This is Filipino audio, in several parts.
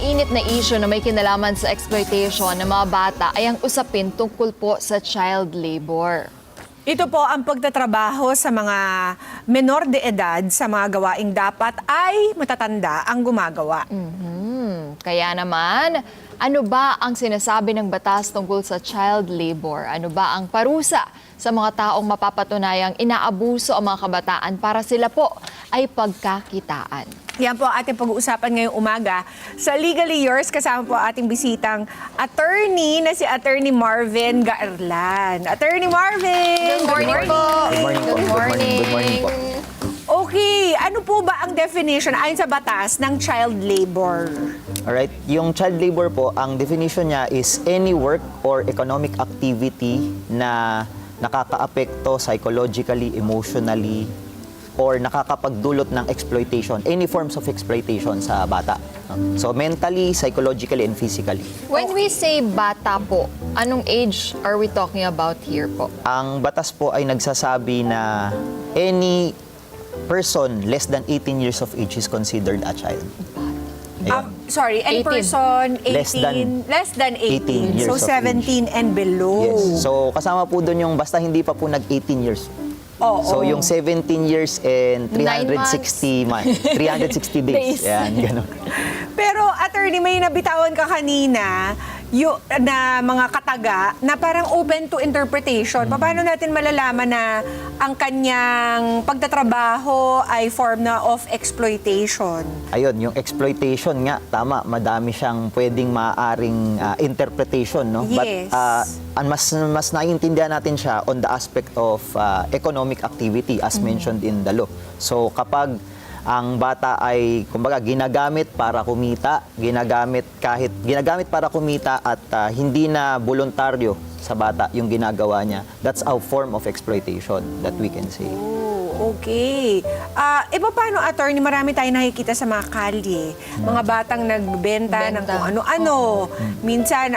pinakamainit na issue na may kinalaman sa exploitation ng mga bata ay ang usapin tungkol po sa child labor. Ito po ang pagtatrabaho sa mga menor de edad sa mga gawaing dapat ay matatanda ang gumagawa. Kaya naman, ano ba ang sinasabi ng batas tungkol sa child labor? Ano ba ang parusa sa mga taong mapapatunayang inaabuso ang mga kabataan para sila po ay pagkakitaan? Yan po ang ating pag-uusapan ngayong umaga. Sa Legally Yours, kasama po ating bisitang attorney na si Attorney Marvin Gaerlan. Attorney Marvin! Good morning po! Good morning po. Good morning po. Okay, ano po ba ang definition ayon sa batas ng child labor? Alright, yung child labor po, ang definition niya is any work or economic activity na nakakaapekto psychologically, emotionally, or nakakapagdulot ng exploitation, any forms of exploitation sa bata. So mentally, psychologically, and physically. When we say bata po, anong age are we talking about here po? Ang batas po ay nagsasabi na any person less than 18 years of age is considered a child. Ayan. Sorry, any 18. person Less than 18 years so of 17 and below. Yes. So kasama po doon yung basta hindi pa po nag-18 years. Oo. So yung 17 years and 360 months, 360 days. Yan, gano'n. Pero attorney, may nabitawan ka kanina na mga kataga na parang open to interpretation. Paano natin malalaman na ang kanyang pagtatrabaho ay form na of exploitation? Ayun, yung exploitation nga, tama, madami siyang pwedeng maaring interpretation, no? Yes. But mas naiintindihan natin siya on the aspect of economic activity as mentioned in the law. So kapag ang bata ay kumbaga ginagamit para kumita, ginagamit para kumita at hindi na voluntaryo sa bata yung ginagawa niya, that's a form of exploitation that we can say. Oh, okay. Paano, attorney, marami tayong nakikita sa mga kalye. Mga batang nagbebenta ng kung ano-ano. Minsan,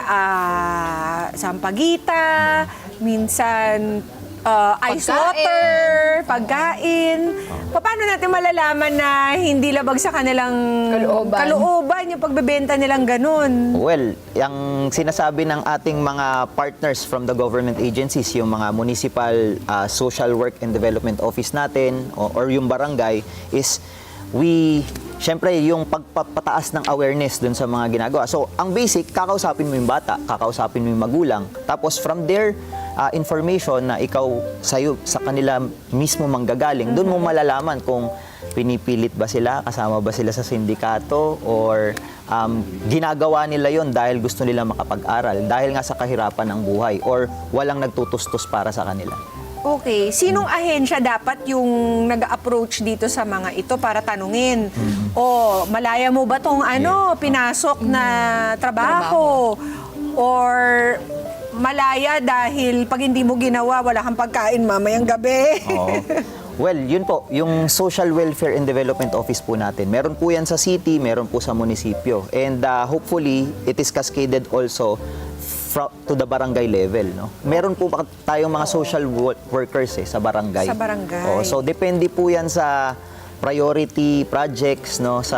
sampagita, minsan ice water, pagkain. Paano natin malalaman na hindi labag sa kanilang kalooban yung pagbebenta nilang ganun? Well, yung sinasabi ng ating mga partners from the government agencies, yung mga municipal social work and development office natin or yung barangay is syempre, yung pagpapataas ng awareness dun sa mga ginagawa. So, ang basic, kakausapin mo yung bata, kakausapin mo yung magulang. Tapos, from there, information na ikaw sa kanila mismo manggagaling, doon mo malalaman kung pinipilit ba sila, kasama ba sila sa sindikato, or ginagawa nila yon dahil gusto nila makapag-aral, dahil nga sa kahirapan ng buhay, or walang nagtutustos para sa kanila. Okay. Sinong ahensya dapat yung nag-approach dito sa mga ito para tanungin? O, malaya mo ba tong pinasok na trabaho? Or malaya dahil pag hindi mo ginawa, wala kang pagkain mamayang gabi? Oo. Well, yun po, yung Social Welfare and Development Office po natin. Meron po yan sa city, meron po sa munisipyo. And hopefully, it is cascaded also to the barangay level, no? Meron po tayong mga social workers sa barangay. Sa barangay. So depende po 'yan sa priority projects, no, sa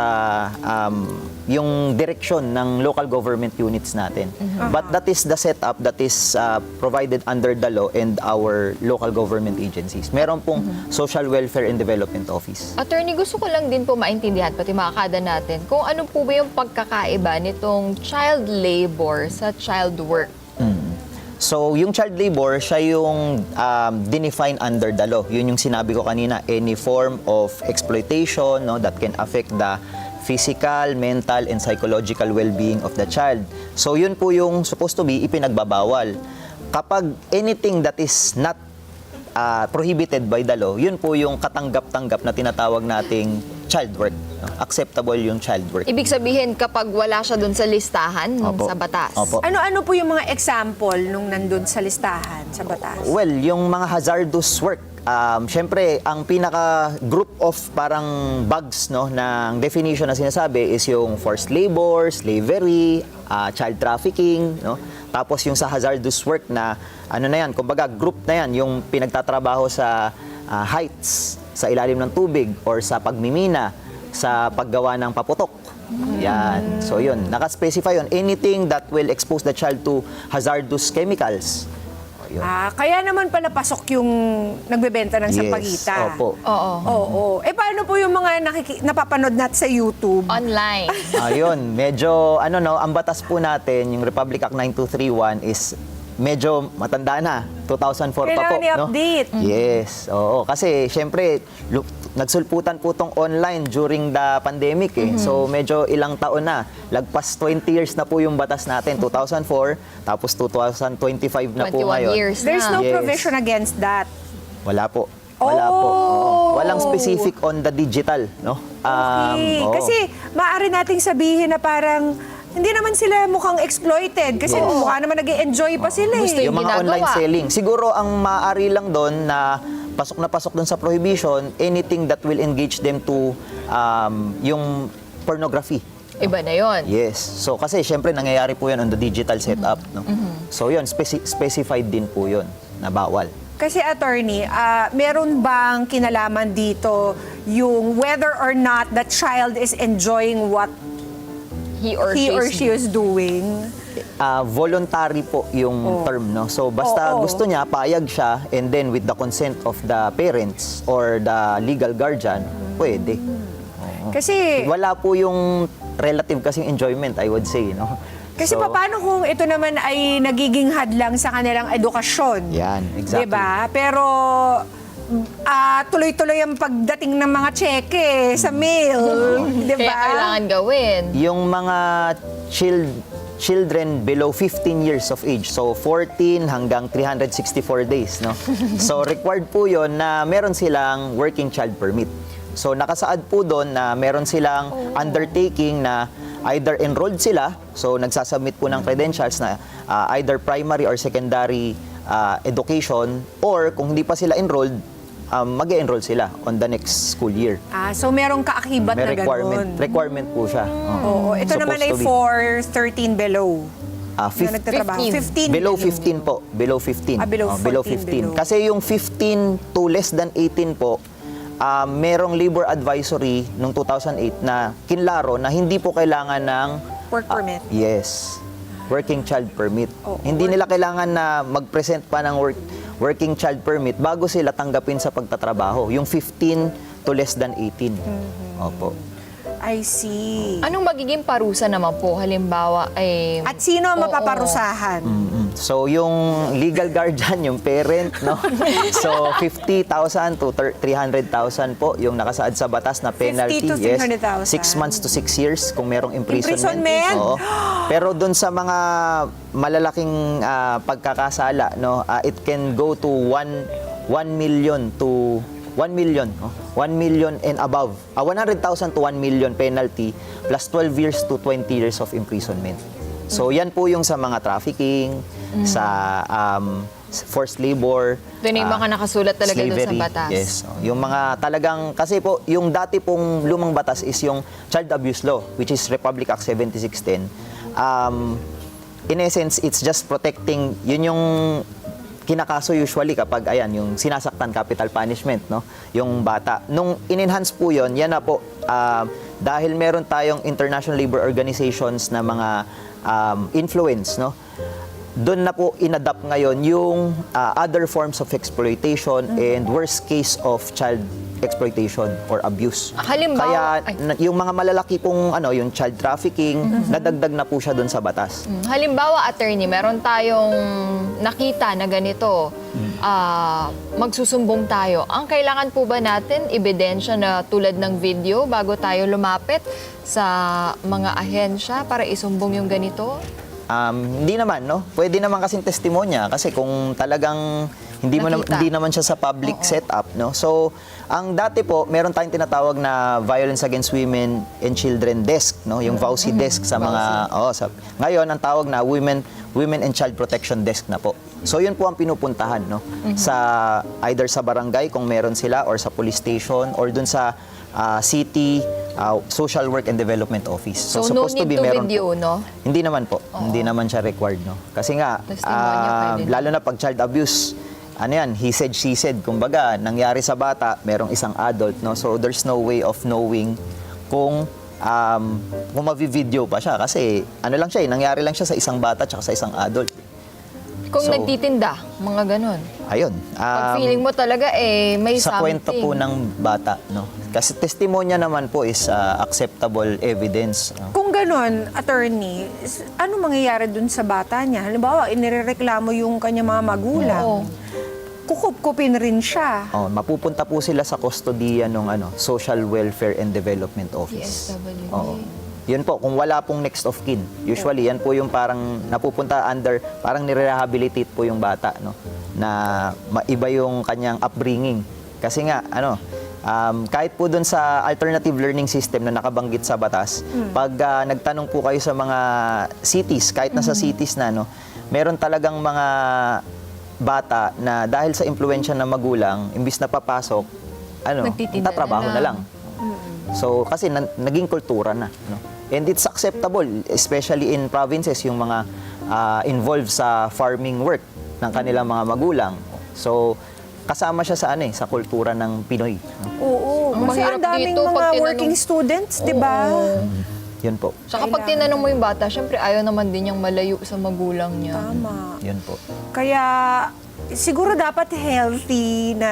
yung direksyon ng local government units natin. But that is the setup that is provided under the law and our local government agencies. Meron pong Social Welfare and Development Office. Attorney, gusto ko lang din po maintindihan, pati mga kada natin, kung ano po ba yung pagkakaiba nitong child labor sa child work? So, yung child labor, siya yung dinefine under the law. Yun yung sinabi ko kanina, any form of exploitation, no, that can affect the physical, mental, and psychological well-being of the child. So, yun po yung supposed to be ipinagbabawal. Kapag anything that is not prohibited by the law, yun po yung katanggap-tanggap na tinatawag nating child work. No? Acceptable yung child work. Ibig sabihin, kapag wala siya dun sa listahan Opo. sa batas. Opo. Ano-ano po yung mga example nung nandun sa listahan sa batas? Well, yung mga hazardous work, syempre, ang pinaka-group of parang bugs, no, ng definition na sinasabi is yung forced labor, slavery, child trafficking, no? Tapos yung sa hazardous work na, kumbaga group na yan, yung pinagtatrabaho sa heights, sa ilalim ng tubig, or sa pagmimina, sa paggawa ng paputok, Yan. So yun, naka-specify yun. Anything that will expose the child to hazardous chemicals. O, yun. Kaya naman pala pasok yung nagbebenta ng Yes, sampagita. opo. Oo. Oo. Paano po yung mga napapanood natin sa YouTube? Online. Ayun, medyo ang batas po natin, yung Republic Act 9231 is medyo matanda na. 2004 pa po, Kailangan i-update. Yes. Oo, kasi syempre nagsulputan po tong online during the pandemic eh. So medyo ilang taon na. Lagpas 20 years na po yung batas natin, 2004, tapos 2025 na po 21 ngayon. years There's no Yes. provision against that. Wala po. Wala po. Oh! Oo. Walang specific on the digital, no? Okay. Oo. Kasi maaari nating sabihin na parang hindi naman sila mukhang exploited kasi Yes. mukha naman nag-e-enjoy pa sila Gusto eh. yung mga ginagawa. online selling. Siguro ang maaari lang doon na pasok doon sa prohibition, anything that will engage them to yung pornography. Iba na yon. Yes. So kasi syempre nangyayari po 'yan on the digital setup, no. So 'yun specified din po 'yun na bawal. Kasi attorney, meron bang kinalaman dito yung whether or not the child is enjoying what He or he or she's she is doing? Voluntary po yung term, no. So basta Oo. gusto niya, payag siya, and then with the consent of the parents or the legal guardian, pwede. Kasi Wala po yung relative kasing enjoyment, I would say, no. Kasi So, paano kung ito naman ay nagiging hadlang sa kanilang edukasyon? Yan, exactly. Diba? Pero tuloy-tuloy ang pagdating ng mga cheque sa mail. Diba? Kaya kailangan gawin. yung mga children below 15 years of age, so 14 hanggang 364 days, no. So required po 'yon na meron silang working child permit. So nakasaad po doon na meron silang undertaking na either enrolled sila, so nagsasubmit po ng credentials na either primary or secondary education, or kung hindi pa sila enrolled, mag-enroll sila on the next school year. So merong kaakibat May na ganun. requirement po siya. Oo. Ito naman ay Supposed to be. for 13 below. Na 15 nagtatrabaho. 15. 15 Below 15 po. Below 15. below 14 below. Kasi yung 15 to less than 18 po, merong labor advisory noong 2008 na kinlaro na hindi po kailangan ng Work permit. yes. Working child permit. Oo, Hindi nila kailangan na mag-present pa ng working child permit bago sila tanggapin sa pagtatrabaho. Yung 15 to less than 18. Opo. I see. Anong magiging parusa naman po? Halimbawa ay... At sino ang Oo. mapaparusahan? So, yung legal guardian, yung parent, no? So, 50,000 to 300,000 po yung nakasaad sa batas na penalty. 50 to 300,000. 6 months to 6 years kung merong imprisonment. Imprisonment? Oo. Pero dun sa mga malalaking pagkakasala, no, it can go to 1 million to 1 million, no? 1 million and above. 100,000 to 1 million penalty plus 12 years to 20 years of imprisonment. So yan po yung sa mga trafficking, sa forced labor. Doon yung mga nakasulat talaga doon sa slavery. batas. Yes. Yung mga talagang, kasi po, yung dati pong lumang batas is yung Child Abuse Law, which is Republic Act 7610. In essence, it's just protecting, yun yung kinakaso usually kapag ayan yung sinasaktan, capital punishment, no, yung bata. Nung in-enhance po yon, yan na po dahil meron tayong international labor organizations na mga influence, no, doon na po inadapt ngayon yung other forms of exploitation and worst case of child exploitation or abuse. Halimbawa- Kaya yung mga malalaki pong yung child trafficking, nadagdag na po siya doon sa batas. Halimbawa, attorney, meron tayong nakita na ganito, magsusumbong tayo. Ang kailangan po ba natin, ebidensya na tulad ng video bago tayo lumapit sa mga ahensya para isumbong yung ganito? Hindi naman, no? Pwede naman kasing testimonya kasi kung talagang Nakita. hindi naman siya sa public setup, no? So, ang dati po, meron tayong tinatawag na Violence Against Women and Children Desk, no? Yung VAUSI desk sa mga ngayon ang tawag na Women and Child Protection Desk na po. So, yun po ang pinupuntahan, no? Sa either sa barangay kung meron sila or sa police station or dun sa city Social Work and Development Office. So, no supposed need to meron video, po. no? Hindi naman po. Hindi naman siya required, no? Kasi nga, Testimonya pwede. lalo na pag child abuse, he said, she said. Kumbaga, nangyari sa bata, merong isang adult, no? So, there's no way of knowing kung kung mavi-video pa siya. Kasi ano lang siya, nangyari lang siya sa isang bata at sa isang adult. Kung So, nagtitinda, mga ganun. Ayun. Pag feeling mo talaga, may sa something. kwento po ng bata, no? Kasi testimonya naman po is acceptable evidence. No? Kung ganon, attorney, ano mangyayari dun sa bata niya? Halimbawa, inireklamo yung kanya mga magulang. Oo. Kukup-kupin rin siya. Oh, mapupunta po sila sa kustodiya ng Social Welfare and Development Office. DSWD. Oo. Yun po, kung wala pong next of kin. Usually, yan po yung parang napupunta under, parang nire-rehabilitate po yung bata, no? Na maiba yung kanyang upbringing. Kasi nga, kahit po dun sa alternative learning system na nakabanggit sa batas, pag nagtanong po kayo sa mga cities, kahit nasa cities na, no, meron talagang mga bata na dahil sa impluensya ng magulang, imbis na papasok, Nagtitinda tatrabaho na na lang. lang. So, kasi naging kultura na. No? And it's acceptable, especially in provinces, yung mga involved sa farming work ng kanilang mga magulang. So, kasama siya sa sa kultura ng Pinoy. No? Oo. Ang Kasi mahirap ang daming dito, mga pag tinanong- working students, di ba? Yun po. Saka pag tinanong mo yung bata, syempre ayaw naman din niyang malayo sa magulang niya. Tama. Yun po. Kaya siguro dapat healthy na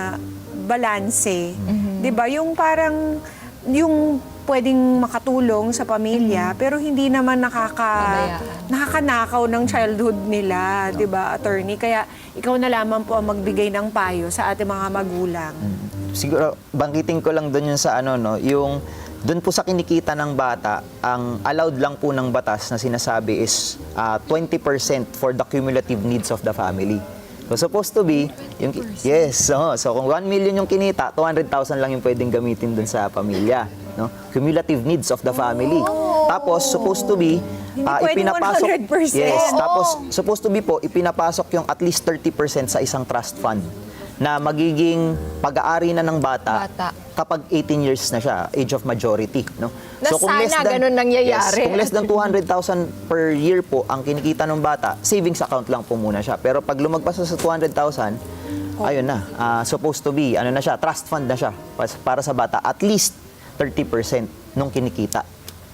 balanse. 'Di ba? Yung parang yung pwedeng makatulong sa pamilya pero hindi naman Pabayaan. nakakanakaw ng childhood nila, 'di ba, attorney? Kaya ikaw na lamang po ang magbigay ng payo sa ating mga magulang. Siguro, banggitin ko lang doon yung sa yung doon po sa kinikita ng bata, ang allowed lang po ng batas na sinasabi is 20% for the cumulative needs of the family. So, supposed to be, yes, so kung 1 million yung kinita, 200,000 lang yung pwedeng gamitin doon sa pamilya. No? Cumulative needs of the family. Tapos, supposed to be, Hindi pwedeng 100%. Yes, Oo. tapos, supposed to be po, ipinapasok yung at least 30% sa isang trust fund na magiging pag-aari na ng bata, kapag 18 years na siya, age of majority. No? Na sana ganun nangyayari. Yes, kung less than 200,000 per year po ang kinikita ng bata, savings account lang po muna siya. Pero pag lumagpas na sa 200,000, ayun na, supposed to be, na siya, trust fund na siya para sa bata, at least 30% nung kinikita.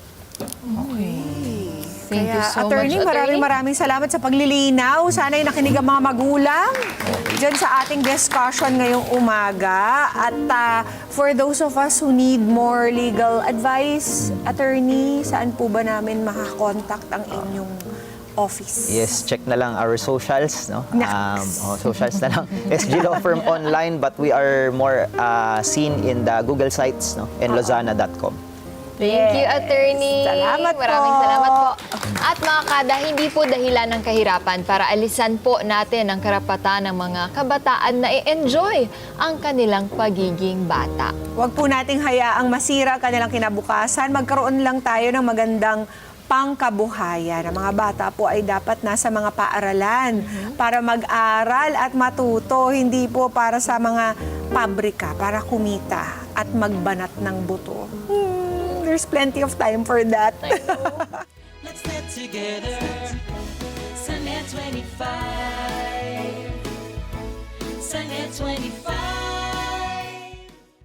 Thank you so attorney, much, attorney. maraming salamat sa paglilinaw. Sana'y nakinig ang mga magulang dyan sa ating discussion ngayong umaga. At for those of us who need more legal advice, attorney, saan po ba namin makakontakt ang inyong office? Yes, check na lang our socials, no? Naks. Socials na lang. SG Law Firm online, but we are more seen in the Google sites, no? And Lozana.com. Thank you, attorney. Salamat po. Maraming salamat po. At mga kada, hindi po dahilan ng kahirapan para alisan po natin ang karapatan ng mga kabataan na i-enjoy ang kanilang pagiging bata. Huwag po nating hayaang masira kanilang kinabukasan. Magkaroon lang tayo ng magandang pangkabuhayan. Ang mga bata po ay dapat nasa mga paaralan para mag-aral at matuto, hindi po para sa mga pabrika, para kumita at magbanat ng buto. There's plenty of time for that. Let's get together. Sunday 25. Sunday 25.